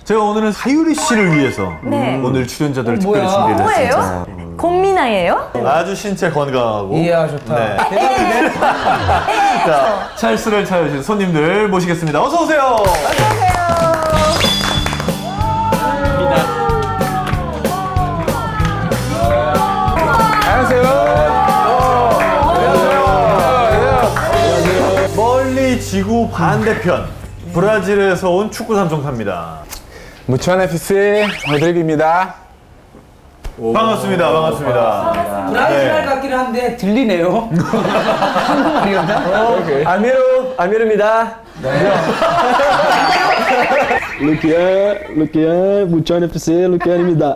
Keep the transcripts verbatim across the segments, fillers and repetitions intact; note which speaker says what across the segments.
Speaker 1: 제가 오늘은 사유리 씨를 위해서 네. 오늘 출연자들을
Speaker 2: 어,
Speaker 1: 특별히
Speaker 2: 뭐야?
Speaker 1: 준비를
Speaker 3: 뭐예요?
Speaker 1: 했습니다.
Speaker 3: 곰미나예요?
Speaker 1: 아주 신체 건강하고
Speaker 2: 이야 좋다.
Speaker 1: 네.
Speaker 2: 대단한데?
Speaker 1: 자, 찰스를 찾아주신 손님들 모시겠습니다. 어서 오세요. 멀리 지구 반대편 브라질에서 온 축구 삼총사입니다.
Speaker 4: 무천 에프씨 로드리고입니다.
Speaker 1: 반갑습니다. 반갑습니다.
Speaker 2: 브라질 말 같기는 한데 들리네요. 한국말이었나?
Speaker 5: 아미로, 아미로입니다.
Speaker 6: 루키야, 루키야, 무천 에프씨 루키안입니다.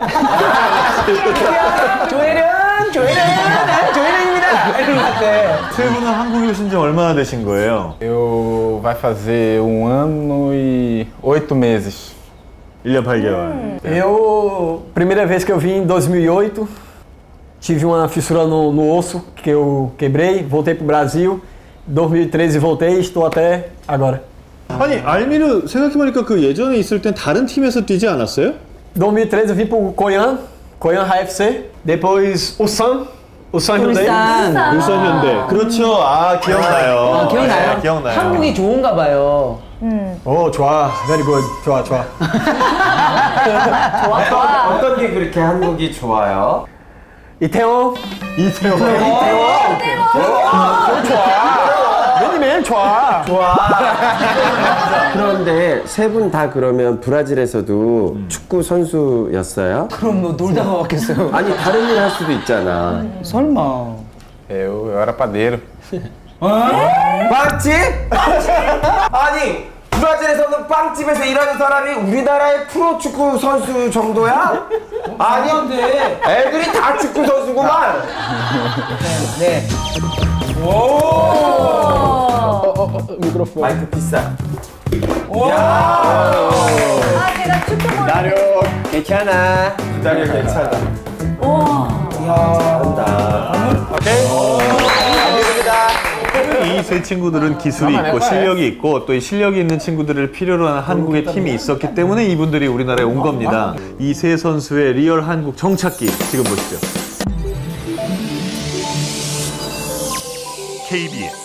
Speaker 2: 조혜련, 조혜련, 난 조혜련입니다. 이런 것 같아.
Speaker 1: 세 분은 한국에 오신 지 얼마나 되신 거예요?
Speaker 4: Eu vai fazer um ano e oito meses.
Speaker 1: 일 년 팔 개월.
Speaker 5: Eu, primeira vez que eu vim em dois mil e oito, tive uma fissura no, no osso que eu quebrei, voltei pro Brasil. dois mil e treze voltei, estou até agora.
Speaker 1: 아니, 알미르 생각해보니까 그 예전에 있을 땐 다른 팀에서 뛰지 않았어요?
Speaker 5: dois mil e treze eu vim pro Coyan, Coyan H F C, depois o Sam, o Sam Hyundai.
Speaker 2: 울산.
Speaker 1: 울산 현대. 그렇죠. 아, 기억나요.
Speaker 2: 아, 기억나요?
Speaker 1: 네, 기억나요.
Speaker 2: 한국이 좋은가 봐요.
Speaker 5: Oh, 좋아, very good, 좋아, 좋아.
Speaker 3: 좋아, 좋아.
Speaker 7: 어떤 게 그렇게 한국이 좋아요?
Speaker 5: 이태원,
Speaker 1: 이태원.
Speaker 5: 맨이맨 좋아.
Speaker 7: 그런데 세 분 다 그러면 브라질에서도
Speaker 1: 음.
Speaker 7: 축구 선수였어요?
Speaker 2: 그럼 뭐 놀다가 왔겠어요.
Speaker 7: 아니 다른 일 할 수도 있잖아.
Speaker 2: 설마.
Speaker 4: Eu, eu era padeiro.
Speaker 7: 빵집? 아니 브라질에서는 빵집에서 일하는 사람이 우리나라의 프로축구 선수 정도야? 아니
Speaker 2: 근데
Speaker 7: 애들이 다 축구 선수구만.
Speaker 2: 네.
Speaker 5: 미크로폰.
Speaker 7: 마이크 비싸.
Speaker 3: 아, 제가 축구 보는
Speaker 7: 나려 괜찮아. 기다려 괜찮아.
Speaker 1: 이 세 친구들은 기술이 있고 실력이 있고 또 이 실력이 있는 친구들을 필요로 하는 한국의 팀이 있었기 때문에 이분들이 우리나라에 온 겁니다. 이 세 선수의 리얼 한국 정착기 지금 보시죠. 케이비에스